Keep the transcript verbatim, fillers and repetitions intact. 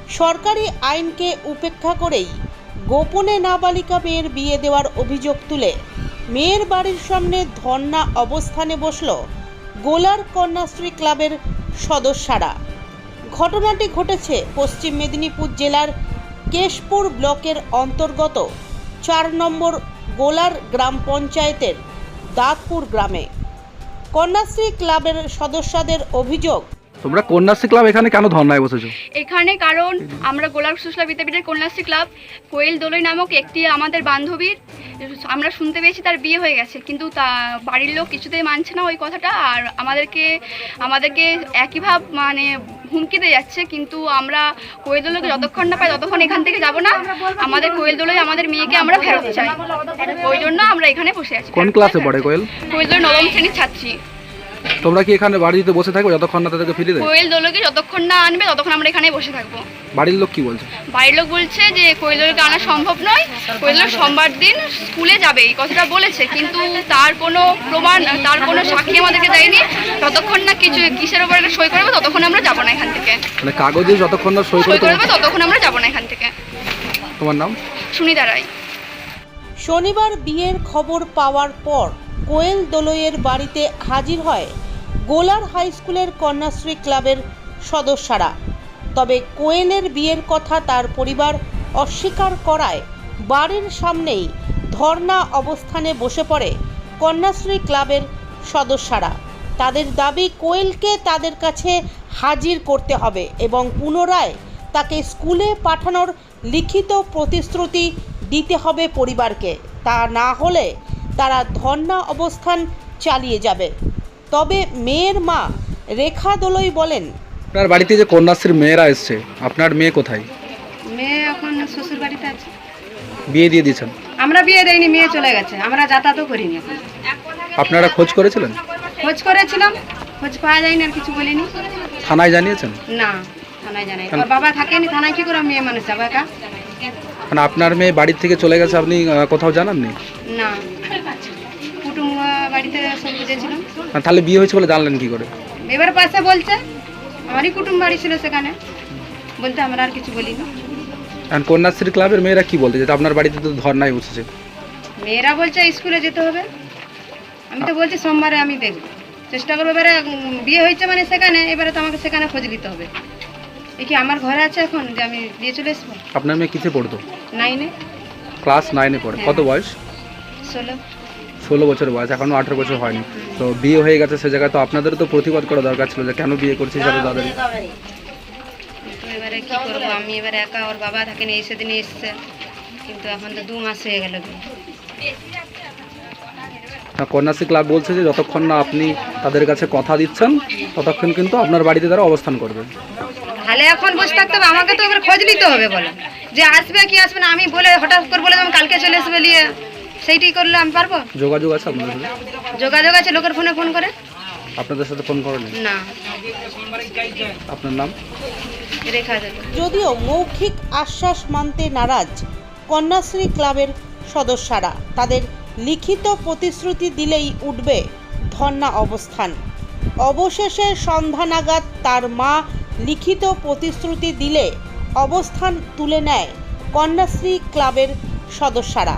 সরকারি আইনকে উপেক্ষা করেই গোপনে নাবালিকা মেয়ের বিয়ে দেওয়ার অভিযোগ তুলে মেয়ের বাড়ির সামনে ধর্ণা অবস্থানে বসল গোলার কন্যাশ্রী ক্লাবের সদস্যরা। ঘটনাটি ঘটেছে পশ্চিম মেদিনীপুর জেলার কেশপুর ব্লকের অন্তর্গত চার নম্বর গোলার গ্রাম পঞ্চায়েতের দাঁতপুর গ্রামে। কন্যাশ্রী ক্লাবের সদস্যদের অভিযোগ, তোমরা কন্যাশ্রী ক্লাব এখানে কেন ধর্নায় বসেছো? এখানে কারণ আমরা গোলার সুশলা বিদ্যাপীঠের কন্যাশ্রী ক্লাব কোয়েল দোলই নামক একটি আমাদের বান্ধবীর আমরা শুনতে পেয়েছি তার বিয়ে হয়ে গেছে, কিন্তু তা বাড়ির লোক কিছুতেই মানছে না ওই কথাটা, আর আমাদেরকে আমাদেরকে একইভাবে মানে হুমকি দিয়ে যাচ্ছে। কিন্তু আমরা কোয়েল দোলকে যতক্ষণ না পাই ততক্ষণ এখান থেকে যাব না। আমাদের কোয়েল দোলই আমাদের মেয়েকে আমরা ফেরত চাই, ওই জন্য আমরা এখানে বসে আছি। কোন ক্লাসে পড়ে কোয়েল? কোয়েল দোল নবম শ্রেণীর ছাত্রী। তোমরা কি এখানে বাড়িতে বসে থাকবে যতক্ষণ না তাদেরকে ফিরিয়ে দেবে? কোয়েল দোলকে যতক্ষণ না আনবে ততক্ষণ আমরা এখানে বসে থাকবো। বাড়ির লোক কি বলছে? বাড়ির লোক বলছে যে কোয়েল দোলকে আনা সম্ভব নয়, কোয়েল দোল সোমবার দিন স্কুলে যাবে এই কথাটা বলেছে, কিন্তু তার কোনো প্রমাণ তার কোনো সাক্ষী আমাদেরকে দেয়নি। ততক্ষণ না কিছু কিসের উপর একটা সই করবে ততক্ষণ আমরা যাবো না এখান থেকে। মানে কাগজে যতক্ষণ না সই সই করবে ততক্ষণ আমরা যাবো না এখান থেকে। তোমার নাম? সুনিতা রায়। শনিবার বিয়ের খবর পাওয়ার পর কোয়েল দোলইয়ের বাড়িতে হাজির হয় গোলার হাই স্কুলের কন্যাশ্রী ক্লাবের সদস্যরা। তবে কোয়েলের বিয়ের কথা তার পরিবার অস্বীকার করায় বাড়ির সামনেই ধর্ণা অবস্থানে বসে পড়ে কন্যাশ্রী ক্লাবের সদস্যরা। তাদের দাবি কোয়েলকে তাদের কাছে হাজির করতে হবে এবং পুনরায় তাকে স্কুলে পাঠানোর লিখিত প্রতিশ্রুতি দিতে হবে পরিবারকে। তা না হলে তারা ধর্ণা অবস্থান চালিয়ে যাবে। তবে মেয়ের মা রেখা দোলই বলেন, আপনার বাড়িতে যে কন্যাশ্রীর মেয়েরা এসছে, আপনার মেয়ে কোথায়? মেয়ে এখন শ্বশুর বাড়িতে আছে। বিয়ে দিয়ে দিয়েছেন? আমরা বিয়ে দেয়নি, মেয়ে চলে গেছে, আমরা যাতায়াতও করিনি এখন। আপনারা খোঁজ করেছিলেন? খোঁজ করেছিলাম, খোঁজ পাওয়া যায়নি, আর কিছু বলিনি। থানায় জানিয়েছেন? না, থানায় জানাই। ওর বাবা থাকেনি, থানায় কি করে মেয়ে মানুষ যাবে একা? মানে আপনার মেয়ে বাড়ির থেকে চলে গেছে, আপনি আহ, কোথাও জানাননি? না, কুটুম বাড়িতে সব বুঝেছিলাম। আর তাহলে বিয়ে হয়েছে বলে জানলেন কি করে? এবার পাশে বলছে, আমারই কুটুম বাড়ি ছিল সেখানে, বলতে আমরা আর কিছু বলিনি। আর কন্যাশ্রী ক্লাবের মেয়েরা কি বলতে, যেটা আপনার বাড়িতে তো ধর্নায় বসেছে? মেয়েরা বলছে স্কুলে যেতে হবে। আমি তো বলছি সোমবারে আমি দেখব, চেষ্টা করবো। এবারে উম, বিয়ে হয়েছে মানে সেখানে, এবারে তো আমাকে সেখানে খোঁজ নিতে হবে। এ কি আমার ঘরে আছে এখন যে আমি দিয়ে চলে আসবো? আপনার মেয়ে কিসে পড়তো? নাইনে। ক্লাস নাইনে পড়ে। কত বয়স? ষোলো। ষোলো বছর বয়স, এখনো আঠেরো বছর হয়নি। তো বিয়ে হয়ে গেছে সে জায়গায়, তো আপনাদেরও তো প্রতিবাদ করা দরকার ছিল যে কেন বিয়ে করছিস এত তাড়াতাড়ি। তো এবারে কি করবো আমি, এবারে একা, ওর বাবা থাকেনি, এই সেদিনে এসছে, কিন্তু এখন তো দু মাস হয়ে গেল। কন্যাশ্রী ক্লাব বলছে যে যতক্ষণ না আপনি তাদের কাছে কথা দিচ্ছেন ততক্ষণ কিন্তু আপনার বাড়িতে তারা অবস্থান করবে। তাহলে এখন বসে থাকতে হবে, আমাকে তো এবার খোঁজ নিতে হবে, বলো যে আসবে কি আসবে না। আমি বলে হঠাৎ করে বলে আমি কালকে চলে আসবে নিয়ে, সেইটাই করলে আমি পারবো? যোগাযোগ আছে আপনাদের সাথে? যোগাযোগ আছে, লোকের ফোনে ফোন করে। আপনাদের সাথে ফোন করেন না। আপনার নাম? রেখা দেবে। যদিও মৌখিক আশ্বাস মানতে নারাজ কন্যাশ্রী ক্লাবের সদস্যরা, তাদের লিখিত প্রতিশ্রুতি দিলেই উঠবে ধর্ণা অবস্থান। অবশেষে সন্ধ্যা নাগাদ তার মা লিখিত প্রতিশ্রুতি দিলে অবস্থান তুলে নেয় কন্যাশ্রী ক্লাবের সদস্যরা।